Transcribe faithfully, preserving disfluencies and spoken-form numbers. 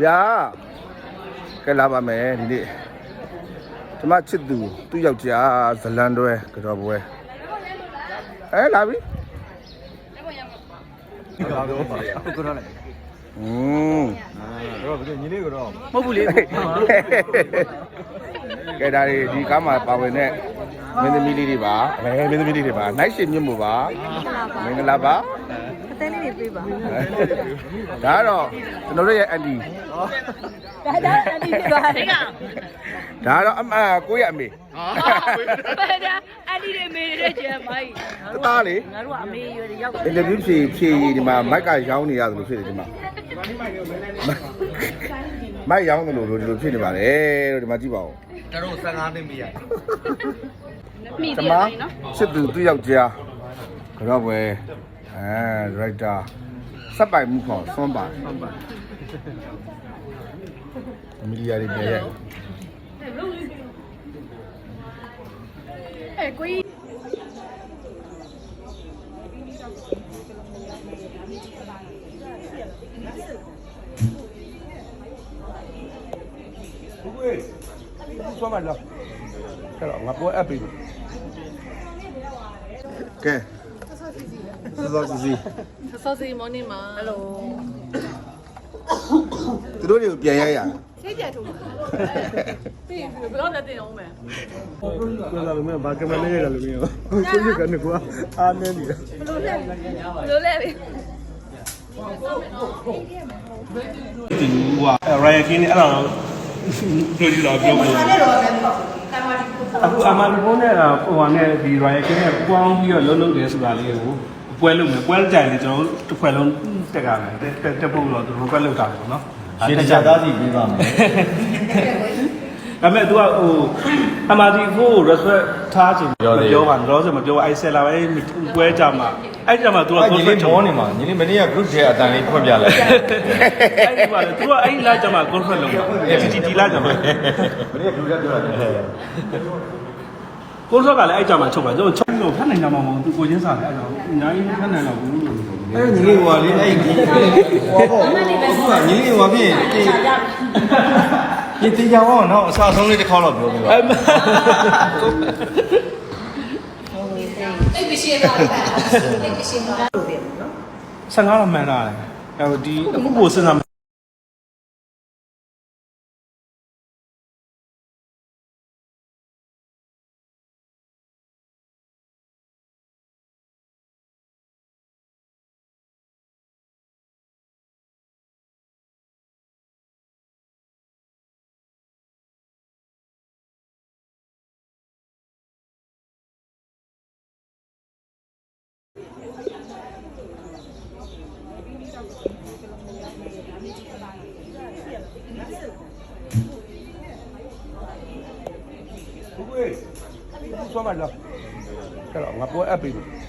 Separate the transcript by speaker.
Speaker 1: ဗျာကဲလာပါမယ်ဒီနေ့ကျမချစ်သူသူ့ယောက်ျားဇလန်တွဲကြော်ပွဲအဲလာပြီ
Speaker 2: ဒီကတော့ဟုတ်ကတော့လေ
Speaker 1: อืม
Speaker 2: တော့ဘယ်ညီလေးကတော့
Speaker 3: မဟုတ်ဘူးလေ
Speaker 1: ကဲဒါဒီကားမှာပါဝင်တဲ့မင်းသမီးလေးတွေပါအဲမင်းသမီးလေးတွေပါနိုင်ရှင်မြင့်မို့ပါမင်္ဂလာပါ
Speaker 4: အသေးလေးတွေပြေးပါ
Speaker 1: ဒါကတော့ကျွန်တော်တို့ရဲ့အန်တီ
Speaker 4: ဒါဒါအန်တီပြေးပါလေက
Speaker 1: ဒါတော့အမကိုရဲ့အမေ
Speaker 4: ဟာဒါအန်တီတွေမေတွေကျဲမိုင်း
Speaker 1: သားလေ
Speaker 4: ငါတို့ကအမေရွယ်ရောက်
Speaker 1: အင်တာဗျူးဖြေဖြေဒီမှာမိုက်ကရောင်းနေရတယ်လို့ဖြစ်တယ်ဒီမှာမိုက်ရောင်းတယ်လို့ဒီလိုဖြစ်နေပါတယ်လို့ဒီမှာကြည့်ပါဦး
Speaker 2: ကျွန်တော်ဆယ်ငါးသိန်းပြရ
Speaker 4: မိ
Speaker 1: တယ်နော်ချစ်သူသူ့ယောက်ျားကြောက်ပဲအဲရိုက်တာစက်ပိုင်မှုခေါ်ဆွမ်းပါဆွမ်းပါမီဒီယာတွေပြရဲ့
Speaker 4: အဲကိုကြီး
Speaker 1: ဘူးကွေးဆွမ်းပါလားအဲ့တော့ငါပေါ်အပ်ပြီကဲစောစီစီ
Speaker 4: စောစီမော်နီမှာဟယ်လို
Speaker 1: သူတို့တွေကိုပြန်ရရ
Speaker 4: စိတ်ကြထုံးပြီးဘယ်တော့လဲတင်အောင်မယ်
Speaker 2: ပြောတာလည်းမဘာကမလေးရတယ်လို့မျိုးကိုကြီးကနေကွာအားနေနေတယ်
Speaker 4: ဘယ်လိုလဲဘယ်လိုလဲ
Speaker 2: ဒီဟိုရိုင်ကင်းအဲ့ဒါတော့တို့ကြည့်တော့ပြောမယ်အခုအမှန်ဘုန်းနဲ့ဟိုဟာနဲ့ဒီရိုင်ကင်းနဲ့ပေါင်းပြီးတော့လုံးလုံးတယ်ဆိုတာလေးကိုပွဲလုပ်မယ်ပွဲကြိုင်လေကျွန်တော်တို့တစ်ခွက်လုံးတက်ကြမယ်တက်တက်ဖို့တော့သူတို့ကွက်လုပ်တာပေါ့နော်
Speaker 3: ရှင်းတခြားသားစီပြီးပါမယ်
Speaker 2: ဒါပေမဲ့ तू ကဟိုအမာဒီဖို့ respect ထားချင်ပြောပြောပါတော့ဆိုမပြောအဲ့ဆက်လာပဲပွဲကြမှာအဲ့ကြမှာ तू က
Speaker 3: ညီလေးမောနေမှာညီလေးမနေ့က group ထဲအတန်လေးဖွင့်ပြလိုက်
Speaker 2: အဲ့ဒီပါလေ तू ကအဲ့လာကြမှာ conference လုပ်မှာတီတီလာကြမှာ
Speaker 3: မနေ့က group ထဲပြောတာ
Speaker 2: ကိုစောကလည်းအဲ့ကြမှာချုပ်ပါကျွန်တော်ချုပ်လို့ဖတ်နိုင်ကြမှာမဟုတ်သူကိုချင်းစားတယ်အဲ့တော့အများကြီးဖတ်နိုင်တော့ဘူးလို့
Speaker 3: အဲ့ညီလေးဟိုလေးအဲ့ဒီဟောပေါ့အခုကညီလေးဟိုဖြစ်ဒီဒီကြောင်အောင်နော်အစားဆုံးလေးတစ်ခေါက်တော့ပြောပြပါ
Speaker 4: အဲ့ဒီရှင်းတော့အဲ့ဒီရှင်းတော့လို့ပြောနော်
Speaker 2: ဆယ်ငါးတော့မှန်တာလေအဲ့တော့ဒီအခုကိုစဉ်းစား
Speaker 1: ဘူးကွေးဆွမ်းပါလားအဲ့တော့ငါပေါ်အပ်ပြီ